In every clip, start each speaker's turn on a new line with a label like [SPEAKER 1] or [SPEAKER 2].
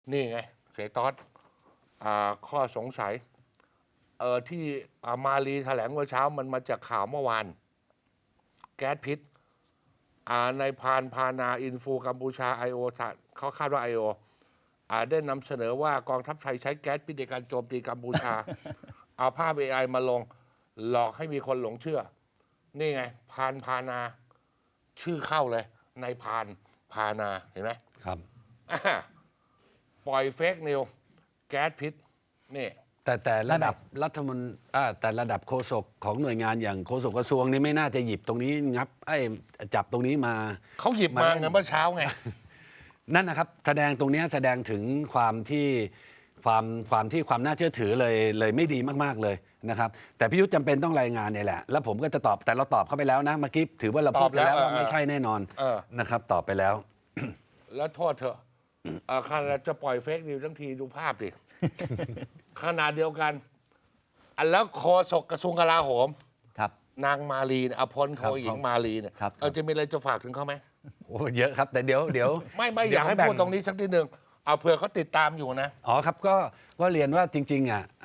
[SPEAKER 1] นี่ไงเสยตอสข้อสงสัยที่มาลีแถลงเมื่อเช้ามันมาจากข่าวเมื่อวานแก๊สพิษในพานพานาอินฟูกัมพูชาไอโอเขาคาดว่าไอโอได้นำเสนอว่ากองทัพไทยใช้แก๊สพิษในการโจมตีกัมพูชา เอาภาพ AI มาลงหลอกให้มีคนหลงเชื่อ นี่ไงพานพานาชื่อเข้าเลยในพานพานาเห็นไหม
[SPEAKER 2] ครับ
[SPEAKER 1] ปล่อยเฟกนิวแก๊สพิษนี่
[SPEAKER 2] แต่ระดับรัฐมนตรีแต่ระดับโฆษกของหน่วยงานอย่างโฆษกกระทรวงนี่ไม่น่าจะหยิบตรงนี้งับจับตรงนี้มา
[SPEAKER 1] เขาหยิบมาไงเมื่อเช้าไง
[SPEAKER 2] นั่นนะครับแสดงตรงนี้แสดงถึงความน่าเชื่อถือเลยไม่ดีมากๆเลยนะครับแต่พี่ยุทธจำเป็นต้องรายงานเนี่ยแหละแล้วผมก็จะตอบแต่เราตอบเข้าไปแล้วนะเมื่อกี้ถือว่าเราพูดไปแล้วว่าไม่ใช่แน่นอนนะครับตอบไปแล้ว
[SPEAKER 1] แล้วโทษเถอะขนาดจะปล่อยเฟกนิวทั้งทีดูภาพดิ ขนาดเดียวกันแล้วโฆษกกระทรวงกลาโหม
[SPEAKER 3] ครับ
[SPEAKER 1] นางมาลีเนี่ยพลโทหญิงมาลีเนี่ยจะมีอะไรจะฝากถึงเขาไหม
[SPEAKER 2] โอ้เยอะครับแต่เดี๋ยว
[SPEAKER 1] ไม่อยากให้พูดตรงนี้สักนิดหนึ่งเอาเผื่อเขาติดตามอยู่นะ
[SPEAKER 2] อ๋อครับก็เรียนว่าจริง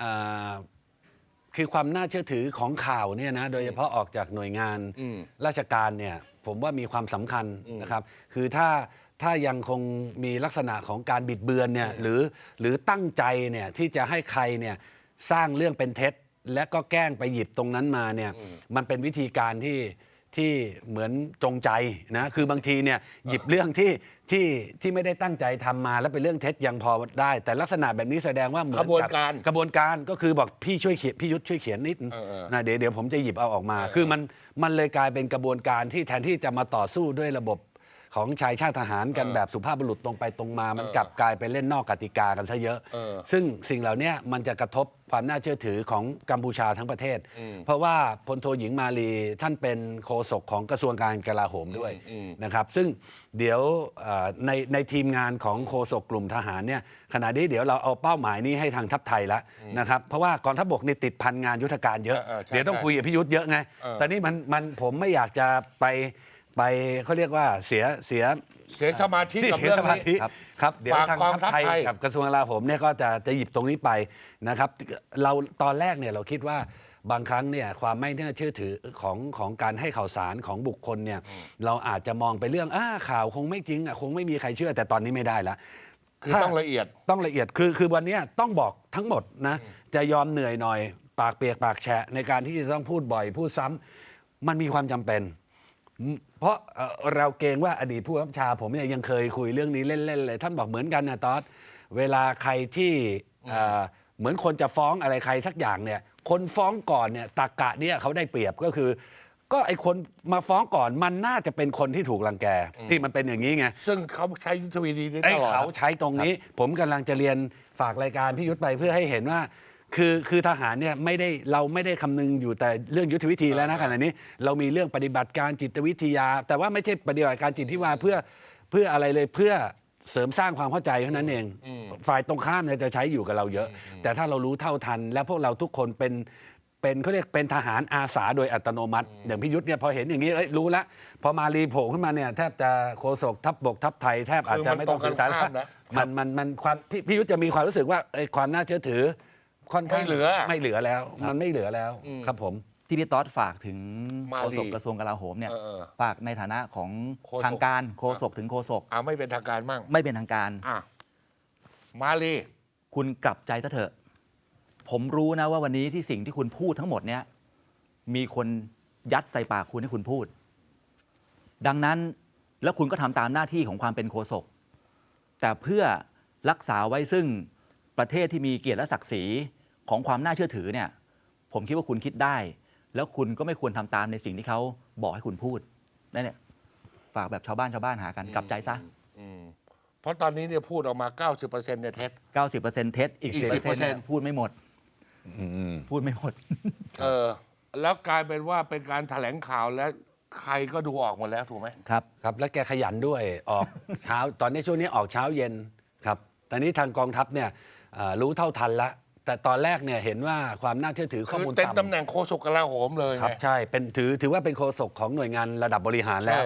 [SPEAKER 2] คือความน่าเชื่อถือของข่าวเนี่ยนะโดยเฉพาะออกจากหน่วยงานราชการเนี่ยผมว่ามีความสำคัญนะครับคือถ้ายังคงมีลักษณะของการบิดเบือนเนี่ยหรือตั้งใจเนี่ยที่จะให้ใครเนี่ยสร้างเรื่องเป็นเท็จและก็แกล้งไปหยิบตรงนั้นมาเนี่ยมันเป็นวิธีการที่เหมือนจงใจนะคือบางทีเนี่ยหยิบเรื่องที่ไม่ได้ตั้งใจทำมาแล้วเป็นเรื่องเท็จยังพอได้แต่ลักษณะแบบนี้แสดงว่าเหมือนกับกระบวนการก็คือบอกพี่ช่วยเขียนพี่ยุทธช่วยเขียนนิดนะเดี๋ยวผมจะหยิบเอาออกมาคือมันเลยกลายเป็นกระบวนการที่แทนที่จะมาต่อสู้ด้วยระบบของชายชาติทหารกันแบบสุภาพบุรุษตรงไปตรงมามันกลับกลายไปเล่นนอกกติกากันซะเยอะซึ่งสิ่งเหล่านี้มันจะกระทบความน่าเชื่อถือของกัมพูชาทั้งประเทศเพราะว่าพลโทหญิงมาลีท่านเป็นโฆษกของกระทรวงการกลาโหมด้วยนะครับซึ่งเดี๋ยวในทีมงานของโฆษกกลุ่มทหารเนี่ยขณะนี้เดี๋ยวเราเอาเป้าหมายนี้ให้ทางทัพไทยแล้วนะครับเพราะว่ากองทัพบกนี่ติดพันงานยุทธการเยอะเดี๋ยวต้องคุยกับพิยุทธเยอะไงตอนนี้มันผมไม่อยากจะไปเขาเรียกว่าเสีย
[SPEAKER 1] สมาธิกับเรื่องนี้
[SPEAKER 2] ครับเดี๋ยวทางทัพไทยกับกระทรวงกลาโหมเนี่ยก็จะหยิบตรงนี้ไปนะครับเราตอนแรกเนี่ยเราคิดว่าบางครั้งเนี่ยความไม่น่าเชื่อถือของการให้ข่าวสารของบุคคลเนี่ยเราอาจจะมองไปเรื่องข่าวคงไม่จริงคงไม่มีใครเชื่อแต่ตอนนี้ไม่ได้แล้ว
[SPEAKER 1] คือต้องละเอียด
[SPEAKER 2] คือวันนี้ต้องบอกทั้งหมดนะจะยอมเหนื่อยหน่อยปากเปียกปากแฉะในการที่จะต้องพูดบ่อยพูดซ้ำมันมีความจำเป็นเพราะเราเกรงว่าอดีตผู้บังคับบัญชาผมเนี่ยยังเคยคุยเรื่องนี้เล่นๆเลยท่านบอกเหมือนกันนะตอสเวลาใครที่เหมือนคนจะฟ้องอะไรใครสักอย่างเนี่ยคนฟ้องก่อนเนี่ยตรรกะเนี่ยเขาได้เปรียบก็คือก็ไอคนมาฟ้องก่อนมันน่าจะเป็นคนที่ถูกรังแกที่มันเป็นอย่างนี้ไง
[SPEAKER 1] ซึ่งเขาใช้ยุทธวิธีนี้ตลอด
[SPEAKER 2] เขาใช้ตรงนี้ผมกำลังจะเรียนฝากรายการพี่ยุทธไปเพื่อให้เห็นว่าคือทหารเนี่ยเราไม่ได้คำนึงอยู่แต่เรื่องยุทธวิธีแล้วนะขณะนี้เรามีเรื่องปฏิบัติการจิตวิทยาแต่ว่าไม่ใช่ปฏิบัติการจิตวิทยาเพื่ออะไรเลยเพื่อเสริมสร้างความเข้าใจเท่านั้นเองฝ่ายตรงข้ามเนี่ยจะใช้อยู่กับเราเยอะแต่ถ้าเรารู้เท่าทันและพวกเราทุกคนเป็นเขาเรียกเป็นทหารอาสาโดยอัตโนมัติอย่างพิยุทธเนี่ยพอเห็นอย่างนี้รู้แล้วพอมารีโผล่ขึ้นมาเนี่ยแทบจะโฆษกทัพบกทัพไทยแทบอาจจะไม่ต้องสื่อสารมันความพิยุทธจะมีความรู้สึกว่าความน่าเชื่อถือค่อนข้างไม่เหลือแล้วมันไม่เหลือแล้วครับผม
[SPEAKER 3] ที่พี่ต๊อดฝากถึงโฆษกกระทรวงกลาโหมเนี่ยฝากในฐานะของทางการโฆษกถึงโฆษก
[SPEAKER 1] ไม่เป็นทางการมั่ง
[SPEAKER 3] ไม่เป็นทางการ
[SPEAKER 1] มาลี
[SPEAKER 3] คุณกลับใจซะเถอะผมรู้นะว่าวันนี้ที่สิ่งที่คุณพูดทั้งหมดเนี่ยมีคนยัดใส่ปากคุณให้คุณพูดดังนั้นแล้วคุณก็ทำตามหน้าที่ของความเป็นโฆษกแต่เพื่อรักษาไว้ซึ่งประเทศที่มีเกียรติและศักดิ์ศรีของความน่าเชื่อถือเนี่ยผมคิดว่าคุณคิดได้แล้วคุณก็ไม่ควรทำตามในสิ่งที่เขาบอกให้คุณพูดนั่นเนี่ยฝากแบบชาวบ้านหากันกลับใจซะ
[SPEAKER 1] เพราะตอนนี้เนี่ยพูดออกมา 90%เนี่ยเท็จ
[SPEAKER 3] 90% เท็จอีก 10% พูดไม่หมดพูดไม่หมด
[SPEAKER 1] แล้วกลายเป็นว่าเป็นการแถลงข่าวและใครก็ดูออกหมดแล้วถูกไหม
[SPEAKER 2] ครับและแกขยันด้วยออกเช้าตอนนี้ช่วงนี้ออกเช้าเย็นครับตอนนี้ทางกองทัพเนี่ยรู้เท่าทันแล้วแต่ตอนแรกเนี่ยเห็นว่าความน่าเชื่อถือข้อมูล
[SPEAKER 1] ต่ำเป็นตำแหน่งโฆษกกลาโหมเลย
[SPEAKER 2] ครับใช่เป็นถือว่าเป็นโฆษกของหน่วยงานระดับบริหารแล้ว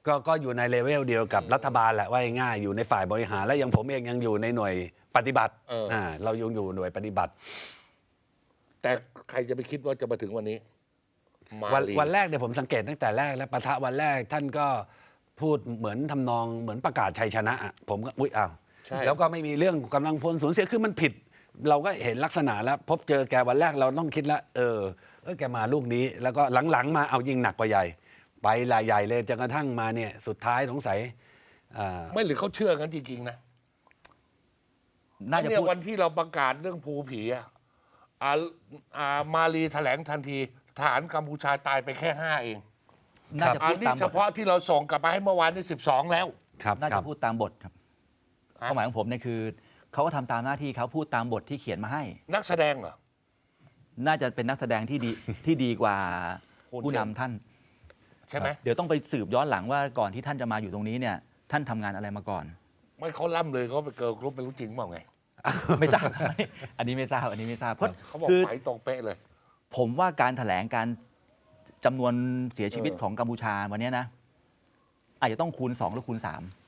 [SPEAKER 2] ก็อยู่ในเลเวลเดียวกับรัฐบาลแหละว่าง่ายๆอยู่ในฝ่ายบริหารและยังผมเองยังอยู่ในหน่วยปฏิบัติเรายังอยู่หน่วยปฏิบัติ
[SPEAKER 1] แต่ใครจะไปคิดว่าจะมาถึงวันนี้มาลี
[SPEAKER 2] วันแรกเนี่ยผมสังเกตตั้งแต่แรกแล้วปะทะวันแรกท่านก็พูดเหมือนทำนองเหมือนประกาศชัยชนะอะผมก็อุ๊ยอ้าว
[SPEAKER 1] ใช่
[SPEAKER 2] แล้วก็ไม่มีเรื่องกำลังพลสูญเสียคือมันผิด เราก็เห็นลักษณะแล้ว พบเจอแกวันแรกเราต้องคิดแล้วแกมาลูกนี้ แล้วก็หลังๆมาเอายิงหนักกว่าใหญ่ ไปรายใหญ่เลยจนกระทั่งมาเนี่ยสุดท้ายสงสัย
[SPEAKER 1] ไม่หรือเขาเชื่อกันจริงๆนะ
[SPEAKER 3] น่าจะ
[SPEAKER 1] เนี่ย
[SPEAKER 3] พูด
[SPEAKER 1] วันที่เราประกาศเรื่องภูผีมาลีแถลงทันทีทหารกัมพูชาตายไปแค่ 5 เอง
[SPEAKER 3] น่าจะพูด
[SPEAKER 1] นี่
[SPEAKER 3] ตาม
[SPEAKER 1] เฉ
[SPEAKER 3] บท
[SPEAKER 1] พาะที่เราส่งกลับมาให้เมื่อวานนี่12 แล้ว
[SPEAKER 2] ครับ
[SPEAKER 3] น่า
[SPEAKER 2] ครั
[SPEAKER 3] จะ
[SPEAKER 2] บ
[SPEAKER 3] พูดตามบทครับความหมายของผมเนี่ยคือเขาก็ทำตามหน้าที่เขาพูดตามบทที่เขียนมาให้
[SPEAKER 1] นักแสดงเหรอ
[SPEAKER 3] น่าจะเป็นนักแสดงที่ดี ที่ดีกว่า
[SPEAKER 1] คุณ
[SPEAKER 3] ผู้
[SPEAKER 1] เจ
[SPEAKER 3] นำ
[SPEAKER 1] น
[SPEAKER 3] ท่าน
[SPEAKER 1] ใช่ไหม
[SPEAKER 3] เดี๋ยวต้องไปสืบย้อนหลังว่าก่อนที่ท่านจะมาอยู่ตรงนี้เนี่ย ท่านทำงานอะไรมาก่อน
[SPEAKER 1] ไม่เขาล่ำเลยเขาไปเกิร์ลกรุ๊ปไม่รู้จริงเปล่าไง
[SPEAKER 3] ไม่ทราบ อันนี้ไม่ทราบอันนี้ไม่ทราบเพราะ
[SPEAKER 1] เขาบอก
[SPEAKER 3] คือ
[SPEAKER 1] ไฟตรงเป๊ะเลย
[SPEAKER 3] ผมว่าการแถลงการจำนวนเสียชีวิตของกัมพูชาวันเนี้ยนะ อาจจะต้องคูณ 2 หรือคูณ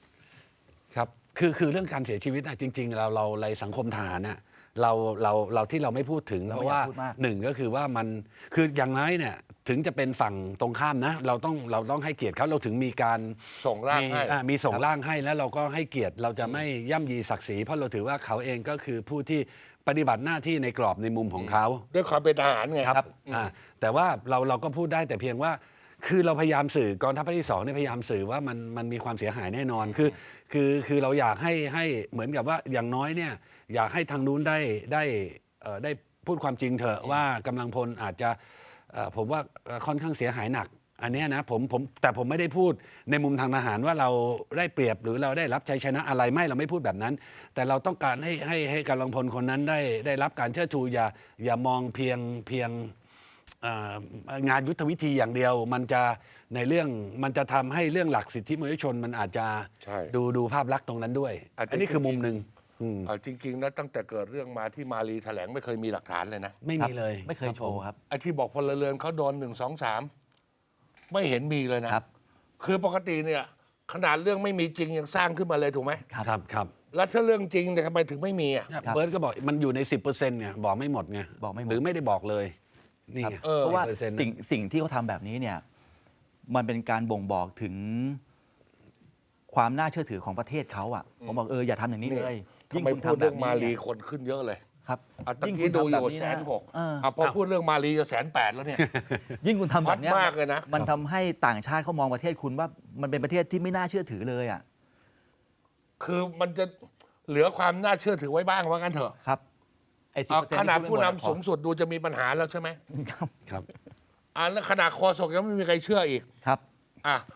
[SPEAKER 3] 3
[SPEAKER 2] ครับคือเรื่องการเสียชีวิตนะจริงๆเราในสังคมทหารน่ะเราที่เราไม่พูดถึง
[SPEAKER 3] เรา
[SPEAKER 2] เพ
[SPEAKER 3] ไม่
[SPEAKER 2] ราะว่า
[SPEAKER 3] อยากพูดมาก
[SPEAKER 2] หนึ่งก็คือว่ามันคืออย่างน้อยเนี่ยถึงจะเป็นฝั่งตรงข้ามนะเราต้องให้เกียรติเขาเราถึงมีการ
[SPEAKER 1] ส่งร่างให้
[SPEAKER 2] มีส่งร่างให้แล้วเราก็ให้เกียรติเราจะไม่ย่ำยีศักดิ์ศรีเพราะเราถือว่าเขาเองก็คือผู้ที่ปฏิบัติหน้าที่ในกรอบในมุมของเขา
[SPEAKER 1] ด้วยความเป็นทหารไง
[SPEAKER 2] ครับแต่ว่าเราก็พูดได้แต่เพียงว่า คือเราพยายามสื่อกองทัพภาคที่ 2เนี่ยพยายามสื่อว่ามันมีความเสียหายแน่นอนคือเราอยากให้เหมือนกับว่าอย่างน้อยเนี่ยอยากให้ทางนู้นได้พูดความจริงเถอะว่ากำลังพลอาจจะผมว่าค่อนข้างเสียหายหนัก อันเนี้ยนะแต่ผมไม่ได้พูดในมุมทางทหารว่าเราได้เปรียบหรือเราได้รับชัยชนะอะไรไม่เราไม่พูดแบบนั้น แต่เราต้องการให้กำลังพลคนนั้นได้รับการเชิดชูอย่ามองเพียงงานยุทธวิธีอย่างเดียวมันจะทำให้เรื่องหลักสิทธิมนุษยชนมันอาจจะ
[SPEAKER 1] ใช่
[SPEAKER 2] ดูภาพลักษณ์ตรงนั้นด้วย อันนี้คือมุมหนึ่ง
[SPEAKER 1] จริงๆนะตั้งแต่เกิดเรื่องมาที่มาลีแถลงไม่เคยมีหลักฐานเลยนะ
[SPEAKER 2] ไม่มีเลย
[SPEAKER 3] ไม่เคยโชว์ครับ
[SPEAKER 1] ไอ้ที่บอกพลเรือนเขาโดน1 2 3ไม่เห็นมีเลยนะครับ คือปกติเนี่ยขนาดเรื่องไม่มีจริงยังสร้างขึ้นมาเลยถูกไหม
[SPEAKER 2] ครับ
[SPEAKER 1] แล้วถ้าเรื่องจริงเนี่ยทำไมถึงไม่มีอ่ะ
[SPEAKER 2] เนี่ยเบิร์ตก็บอกมันอยู่ใน 10%เนี่ยบอกไม่หมดไง
[SPEAKER 3] บอกไม่หมด
[SPEAKER 2] หรือไม่ได้บอกเลยนี่ไง
[SPEAKER 3] เพราะว่า
[SPEAKER 2] 10%
[SPEAKER 3] สิ่งที่เขาทำแบบนี้เนี่ย มันเป็นการบ่งบอกถึงความน่าเชื่อถือของประเทศเขาอ่ะผมบอกอย่าทำอย่างนี้เลย
[SPEAKER 1] ทำไม
[SPEAKER 3] คุณ
[SPEAKER 1] พูดเรื่อง
[SPEAKER 3] แบบนี้
[SPEAKER 1] มาลี
[SPEAKER 3] นี่ย
[SPEAKER 1] คนขึ้นเยอะเลย
[SPEAKER 3] ครับ
[SPEAKER 1] ตะ
[SPEAKER 3] ยิ่ง
[SPEAKER 1] กี้
[SPEAKER 3] คุณ
[SPEAKER 1] ดู
[SPEAKER 3] ทำ
[SPEAKER 1] อ
[SPEAKER 3] แบบ
[SPEAKER 1] ยู่
[SPEAKER 3] นี้
[SPEAKER 1] 160,000พอพูดเรื่องมาลีจะ180,000แล้วเนี่ย
[SPEAKER 3] ยิ่งคุณทำแบบเนี้ย
[SPEAKER 1] ฮอตมากเลยนะ
[SPEAKER 3] มันทำให้ต่างชาติเขามองประเทศคุณว่ามันเป็นประเทศที่ไม่น่าเชื่อถือเลยอ่ะ
[SPEAKER 1] คือมันจะเหลือความน่าเชื่อถือไว้บ้างว่างั้นเถอะ
[SPEAKER 3] ครับไอ้10%
[SPEAKER 1] ขนาด
[SPEAKER 3] ที่
[SPEAKER 1] ผู้
[SPEAKER 3] พู
[SPEAKER 1] นำ
[SPEAKER 3] ไม่หม
[SPEAKER 1] สูงสุดดูจะมีปัญหาแล้วใช่ไหม
[SPEAKER 3] ครับ
[SPEAKER 2] ครับ
[SPEAKER 1] แล้วขนาดคอสกยังไม่มีใครเชื่ออีก
[SPEAKER 3] ครับ
[SPEAKER 1] อ่ะ